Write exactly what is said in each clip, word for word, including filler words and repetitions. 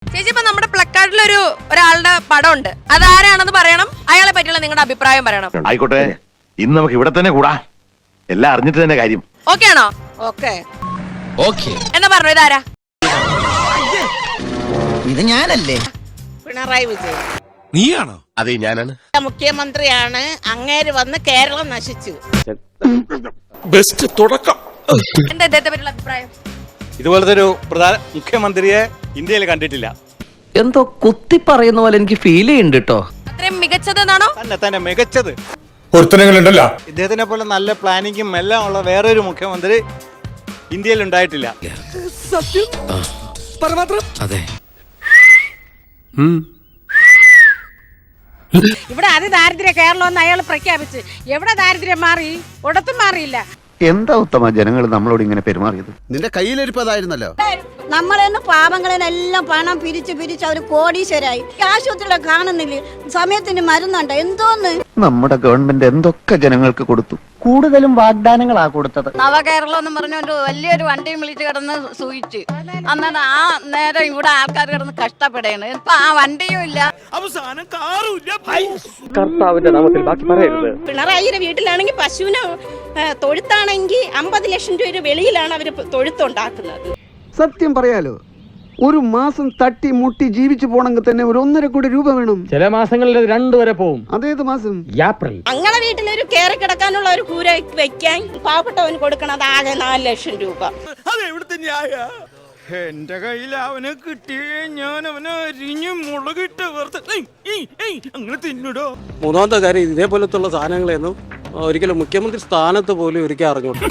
ചേച്ചി ഇപ്പൊ നമ്മുടെ പ്ലക്കാർഡിലൊരു ഒരാളുടെ പടം ഉണ്ട്, അതാരാണെന്ന് പറയണം, അയാളെ പറ്റിയുള്ള നിങ്ങളുടെ അഭിപ്രായം പറയണം. ആയിക്കോട്ടെ, ഇന്ന് നമുക്ക് ഇവിടെ തന്നെ കൂടാ, എല്ലാം അറിഞ്ഞിട്ട് തന്നെ കാര്യം. ഓക്കെ ആണോ? ഓക്കെ ഓക്കെ എന്നാ പറഞ്ഞു, ഇതാരാ? ഇത് ഞാനല്ലേ? പിണറായി വിജയൻ. നീയാണോ? അതെ ഞാനാണ്. മുഖ്യമന്ത്രിയാണ്, അങ്ങേര് വന്ന് കേരളം നശിച്ചു. ബെസ്റ്റ് തുടക്കം. എന്താ ഇദ്ദേഹത്തെ പറ്റിയുള്ള അഭിപ്രായം? ഇതുപോലത്തെ ഒരു പ്രധാന മുഖ്യമന്ത്രിയെ ഇന്ത്യയിൽ കണ്ടിട്ടില്ല. എന്തോ കുത്തി പറയുന്ന പോലെ എനിക്ക് ഫീൽ ചെയ്യുന്നുണ്ട് കേട്ടോ. അത്രയും മികച്ചതെന്നാണോ? തന്നെ തന്നെ മികച്ചത്. പൊരുത്തനങ്ങളുണ്ടല്ലോ. ഇദ്ദേഹത്തിനെ പോലെ നല്ല പ്ലാനിങ്ങും എല്ലാം ഉള്ള വേറൊരു മുഖ്യമന്ത്രി ഇന്ത്യയിൽ ഉണ്ടായിട്ടില്ല. അതെ. ഇവിടെ അതിദാരിദ്ര്യ കേരളം എന്ന് അയാൾ പ്രഖ്യാപിച്ച് എവിടെ ദാരിദ്ര്യം മാറി? ഒടത്തും മാറിയില്ല. എന്താ ഉത്തമ ജനങ്ങൾ നമ്മളോട് ഇങ്ങനെ പെരുമാറിയത്? നിന്റെ കയ്യിലിരിപ്പതായിരുന്നല്ലോ. നമ്മളെന്ന് പാവങ്ങളെല്ലാം പണം പിരിച്ച് പിരിച്ച് അവര് കോടീശ്വരായി. ആശുപത്രിയിലെ കാണുന്നില്ല, സമയത്തിന് മരുന്നുണ്ട്, എന്തോന്ന്. നമ്മുടെ ഗവൺമെന്റ് എന്തൊക്കെ ജനങ്ങൾക്ക് കൊടുത്തു. കൂടുതലും വാഗ്ദാനങ്ങളാ കൊടുത്തത്. നവകേരളം എന്ന് പറഞ്ഞൊരു വലിയൊരു വണ്ടിയും വിളിച്ച് കിടന്ന് സൂയിച്ച് അന്നേരം ആ നേരം ഇവിടെ ആൾക്കാർ കിടന്ന് കഷ്ടപ്പെടേണ്. ഇപ്പൊ ആ വണ്ടിയും ഇല്ല, അവസാനം കാറുമില്ല. കർത്താവിന്റെ നാമത്തിൽ ബാക്കി പറയരുത്. പിണറായിയുടെ വീട്ടിലാണെങ്കിൽ പശുവിന് തൊഴുത്താണെങ്കിൽ അമ്പത് ലക്ഷം രൂപ വെളിയിലാണ് അവര് തൊഴുത്തുണ്ടാക്കുന്നത്. സത്യം പറയാലോ, ഒരു മാസം തട്ടി മുട്ടി ജീവിച്ചു പോണെങ്കിൽ തന്നെ ഒരു ഒന്നര കോടി രൂപ വേണം. ചില മാസങ്ങളിൽ രണ്ടു വരെ പോവും. അതേത് മാസം? ഏപ്രിൽ. അങ്ങനെ വീട്ടിലൊരു കയറി കിടക്കാനുള്ള ഒരു കൂര വെക്കാൻ പാവപ്പെട്ടവന് കൊടുക്കണത് ആകെ നാല് ലക്ഷം രൂപ. അതെവിടുത്തെ ന്യായ? എന്റെ കയ്യിൽ അവനെ കിട്ടിയേ ഞാൻ അവനെ അരിഞ്ഞു മുളകിട്ട് അങ്ങനെ തിന്നിടോ. മൂന്നാമത്തെ കാര്യം, ഇതേപോലത്തുള്ള സാധനങ്ങളെയൊന്നും ഒരിക്കലും മുഖ്യമന്ത്രി സ്ഥാനത്ത് പോലും ഒരിക്കൽ അറിഞ്ഞോട്ടെ.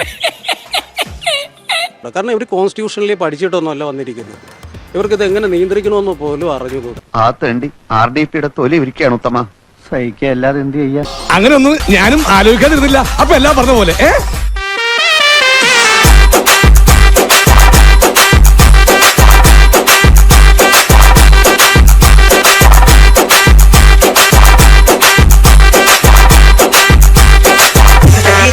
കാരണം ഇവർ കോൺസ്റ്റിറ്റ്യൂഷനിൽ പഠിച്ചിട്ടൊന്നുമല്ല വന്നിരിക്കുന്നത്. ഇവർക്ക് ഇത് എങ്ങനെ നിയന്ത്രിക്കണമെന്ന് പോലും അറിഞ്ഞുകൂടും. ആ തേണ്ടി ആർ ഡി പിയുടെ തൊലി ഇരിക്കുകയാണ് ഉത്തമ. സഹിക്കുക അല്ലാതെ എന്ത് ചെയ്യാ? അങ്ങനെ ഒന്നും ഞാനും ആലോചിക്കാതിരുന്നില്ല. അപ്പൊ എല്ലാം പറഞ്ഞ പോലെ ഏ